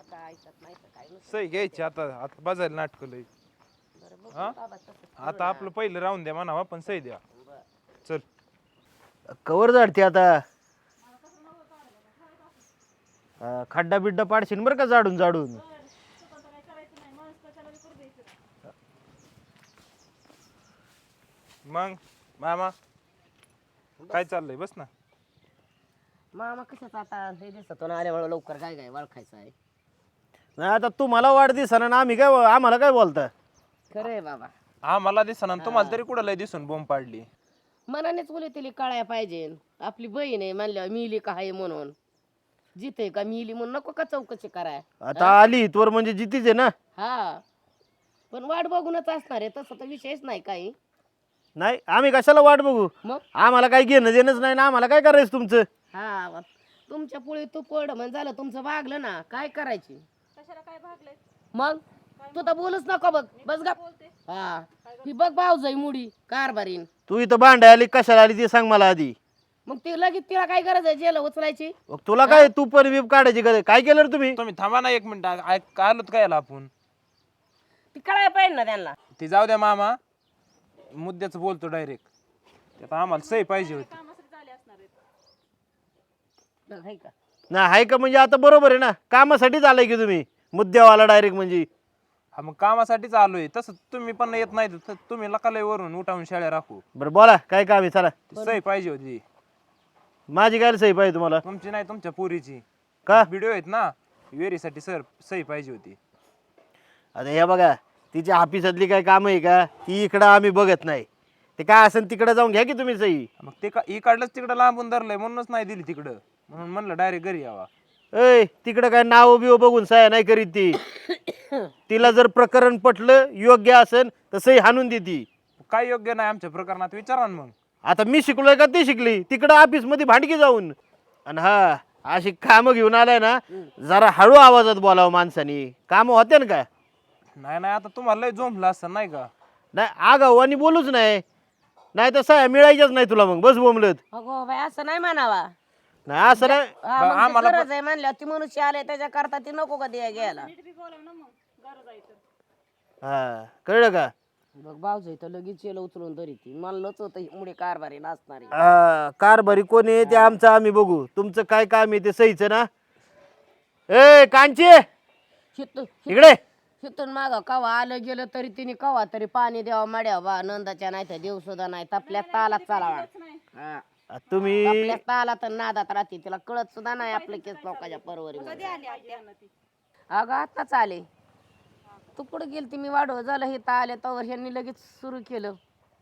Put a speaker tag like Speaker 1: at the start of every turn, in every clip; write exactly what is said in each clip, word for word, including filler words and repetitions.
Speaker 1: बाबाचा ऐकत नाही तर काय नुसतं
Speaker 2: सही घ्यायची आता आता बाजायला नाटक लय
Speaker 1: बरं बघू
Speaker 2: हा?
Speaker 1: बाबा तसंच करू
Speaker 2: आता
Speaker 1: ना.
Speaker 2: आपलं पहिलं राहून द्या म्हणावा पण सही द्या
Speaker 1: बरं.
Speaker 2: चल
Speaker 3: कवर झाडते आता हा, खड्डा बिड्डा पाडशील बरं का जाडून जाडून
Speaker 2: मग मामा काय चाललंय बस ना
Speaker 1: मामा कशाच आता हे दिसतो ना आल्यामुळे लवकर काय काय ओळखायचं आहे
Speaker 3: नाही आता तुम्हाला वाढदिवसानं ना आम्ही काय आम्हाला काय बोलता
Speaker 1: खरं आहे बाबा
Speaker 2: हा मला दिसना तुम्हाला तरी कुठं लय दिसून बोंब पाडली
Speaker 1: मनानेच बोले तिला कळाया पाहिजे आपली बहीण आहे म्हणल्यावर मिली का आहे म्हणून जिथे का मिली म्हणून नको का चौकशी कराय
Speaker 3: आता आली इथवर म्हणजे जितीच आहे ना
Speaker 1: हा पण वाट बघूनच असणार आहे तसं तर विषयच नाही काही
Speaker 3: नाही आम्ही कशाला वाट बघू
Speaker 1: मग
Speaker 3: आम्हाला काही घेणं देणंच नाही ना आम्हाला काय करायचं तुमचं
Speaker 1: हा वा. तुमच्या पुढे तू पड म्हणजे झालं तुमचं भागलं ना काय करायची मग तू तर बोलूच नको बघ बस गा हा ही बघ भाऊजाई मुडी कारभारीन
Speaker 3: तू इथं भांडाय आली कशाला आली ते सांग मला आधी
Speaker 1: मग ती लगेच तिला काय गरज आहे जेल उचलायची
Speaker 3: मग तुला काय तू पण बीप काढायची गरज काय केलं रे तुम्ही
Speaker 2: तुम्ही थांबा ना एक मिनिट ऐक आलोत काय याला आपण
Speaker 1: ती कळायला पाहिजे ना त्यांना
Speaker 2: ती जाऊ द्या मामा मुद्द्याच बोलतो डायरेक्ट त्यात आम्हाला सही पाहिजे होती
Speaker 1: बघ, हाय का
Speaker 3: ना हाय का म्हणजे आता बरोबर आहे ना कामासाठीच आलाय की तुम्ही मुद्द्यावाला डायरेक्ट म्हणजे
Speaker 2: हा मग कामासाठीच आलोय तसं तुम्ही पण येत नाही तर तुम्ही लकालय वरून उठावून शाळा राखू
Speaker 3: बरं बोला काय काम आहे चला
Speaker 2: ती सही पाहिजे होती
Speaker 3: माझी काय सही पाहिजे तुम्हाला
Speaker 2: तुमची नाही तुमच्या पोरीची
Speaker 3: का
Speaker 2: व्हिडिओ आहेत ना वेरीसाठी सर सही पाहिजे होती
Speaker 3: आता हे बघा तिच्या ऑफिसातली काय काम आहे का ती इकडं आम्ही बघत नाही ते काय असेल तिकडे जाऊन घ्या की तुम्ही सही
Speaker 2: मग ते का इकडलंच तिकडं लांबून धरलंय म्हणूनच नाही दिली तिकडं म्हणून म्हणलं डायरेक्ट घरी यावा
Speaker 3: ऐ तिकडं काय नाव बिव बघून सह्या नाही करीत ती तिला जर प्रकरण पटलं योग्य असेल तर सही हाणून देती
Speaker 2: काय योग्य नाही आमच्या प्रकरणात विचारा ना मग
Speaker 3: आता मी शिकलोय का ती शिकली तिकडं ऑफिस मध्ये भांडकी जाऊन आणि हा अशी कामं घेऊन आलाय ना जरा हळू आवाजात बोलावं माणसानी कामं होते ना काय
Speaker 2: नाही नाही आता तुम्हाला लय जोमलं असं नाही का
Speaker 3: नाही आगाऊ आणि बोलूच नाही नाही तर सह्या मिळायच्याच नाही तुला मग बस बोंबलत
Speaker 1: अगो बाई असं नाही म्हणावा
Speaker 3: नाही असं नाही
Speaker 1: हा, मग ती
Speaker 2: आम्हाला
Speaker 1: गरज आहे म्हणल्यावर ती मनुष्य आले त्याच्या करता ती नको का द्या घ्यायला
Speaker 3: हा कळलं का
Speaker 1: बघ भाऊजाई तर लगेच येलं उचलून तरी ती मला लच होतं मुळे कारभारी नसणारी
Speaker 3: हा कारभारी कोण आहे ते आमचं आम्ही बघू तुमचं काय काम आहे ते सहीचं ना ए कांची
Speaker 1: हित-
Speaker 3: इकडे
Speaker 1: हिथून माग कवा आलं गेलं तरी तिने कवा तरी पाणी द्यावा मड्या बा नंदाच्या नाही तर देव सुद्धा नाही तपल्या तालात चालावा हा.
Speaker 3: आ, तुम्ही
Speaker 1: आपल्या तालात आणि नादात राहते तिला कळत सुद्धा नाही आपल्या केस लोकांच्या परवरी अगं आताच आले तू कुठं गेलती मी वाढव झालं हे आले तर ह्यांनी लगेच सुरू केलं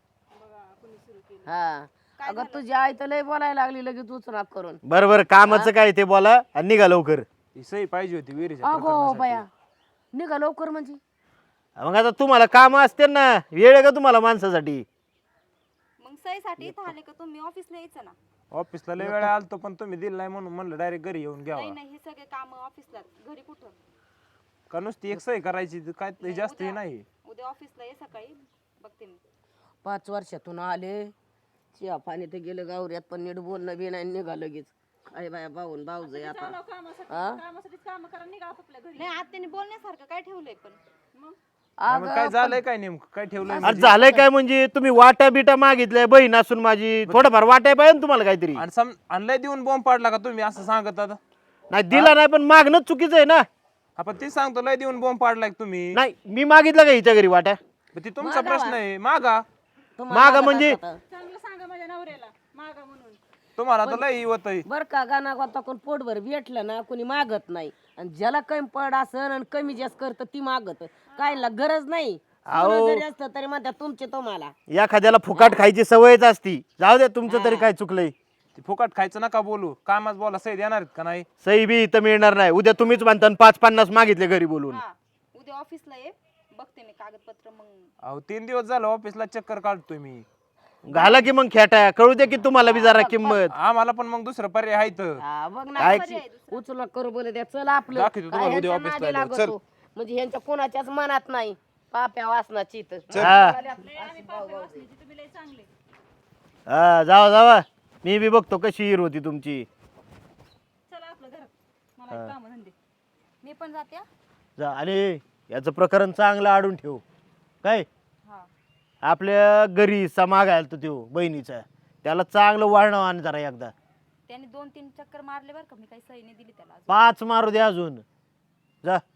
Speaker 1: हा अगं तुझी आई तर लय बोलायला लागली लगेच उचना करून
Speaker 3: बरं बरं कामाचं काय ते बोला आणि निघा लवकर
Speaker 2: ती सही पाहिजे होती वेरीच्या
Speaker 1: अगो
Speaker 2: प्रकरणासाठी.
Speaker 1: बया निघा लवकर म्हणजे
Speaker 3: मग आता तुम्हाला काम असते ना वेळ आहे का तुम्हाला माणसासाठी
Speaker 4: मग सहीसाठी इथं आले का तुम्ही ऑफिसला यायचं ना
Speaker 2: ऑफिसला लय वेळा आलतो पण तुम्ही दिलं नाही म्हणून म्हणलं डायरेक्ट घरी येऊन घ्यावा
Speaker 4: नाही नाही हे सगळे काम ऑफिसला घरी कुठं
Speaker 2: का नुसती एक सही करायची तर काय ते जास्त हे नाही
Speaker 4: उद्या ऑफिसला ये सकाळी बघते मी
Speaker 1: पाच वर्षातून आले चिया पाणी तर गेलं गावऱ्यात पण नीट बोलणं बी नाही निघा लगेच काय बाया भाऊन भाऊज आता हा?
Speaker 4: नाही आत्याने बोलण्यासारखं काय ठेवलंय पण मग
Speaker 2: नाही, मग काय झालंय काय नेमकं काय ठेवलंय
Speaker 3: आणि
Speaker 2: म्हणजे?
Speaker 3: झालंय काय म्हणजे तुम्ही वाट्या बिटा मागितल्या बहीण असून माझी थोडंफार वाटाय पाहिजे ना तुम्हाला काहीतरी
Speaker 2: आणि सम आणि लय देऊन बॉम्ब पाडला का तुम्ही असं सांगत आता
Speaker 3: नाही दिला नाही पण मागणं चुकीचं आहे ना
Speaker 2: आपण ते सांगतो लय देऊन बॉम्ब पाडलाय का तुम्ही
Speaker 3: नाही मी मागितलं का हिच्या घरी वाट्या
Speaker 2: मग ते तुमचा प्रश्न आहे मागा
Speaker 1: तुम्हाला
Speaker 3: मागं
Speaker 1: लागत
Speaker 3: म्हणजे-
Speaker 1: असतं
Speaker 2: तुम्हाला तर लय होत
Speaker 1: बर का गाणा गोता कोण पोटभर भेटलं ना कोणी मागत नाही आणि ज्याला कमी पड असन आणि कमी जास्त करत ती मागत कायला गरज नाही सोनं जरी असतं तरी म्हणतात तुमचे तुम्हाला
Speaker 3: एखाद्याला फुकाट खायची सवयच असती जाऊ द्या तुमचं तरी काय चुकलंय
Speaker 2: ते फुकट खायचं नका बोलू कामाच बोला सही देणार आहेत का नाही
Speaker 3: सही बी इथं मिळणार नाही उद्या तुम्हीच म्हणता आणि पाच पन्नास मागितले घरी बोलून
Speaker 4: हा उद्या ऑफिसला ये बघते मी कागदपत्र मग
Speaker 2: अहो तीन दिवस झालं ऑफिसला चक्कर काढतोय मी
Speaker 3: घाला की मग खेटा कळू दे की तुम्हाला बी जरा किंमत
Speaker 2: आम्हाला पण मग दुसरं पर्याय आहे तर
Speaker 1: हा, बघ ना
Speaker 3: काय
Speaker 1: उचलून करू बोल द्या चल आपलं
Speaker 2: दाखवतो
Speaker 1: काय
Speaker 2: तुम्हाला उद्या
Speaker 1: ह्यांच्या
Speaker 2: ऑफिसला
Speaker 1: नादी
Speaker 2: आल्यावर.
Speaker 1: लागतो. म्हणजे ह्यांच्या कोणाच्याच मनात नाही पाप्या वासनाची तर
Speaker 3: हा हा जावा जावा मी बी बघतो कशी हिर होती तुमची
Speaker 4: मी पण जाते हा.
Speaker 3: जा आणि याचं प्रकरण चांगलं आडून ठेव काय
Speaker 4: हा
Speaker 3: आपल्या घरी समाग आला तो त्यो बहिणीचा त्याला चांगलं वाढणं आण जरा एकदा
Speaker 4: त्याने दोन तीन चक्कर मारले बरं का मी काही सही नाही दिली त्याला अजून.
Speaker 3: पाच मारू दे अजून जा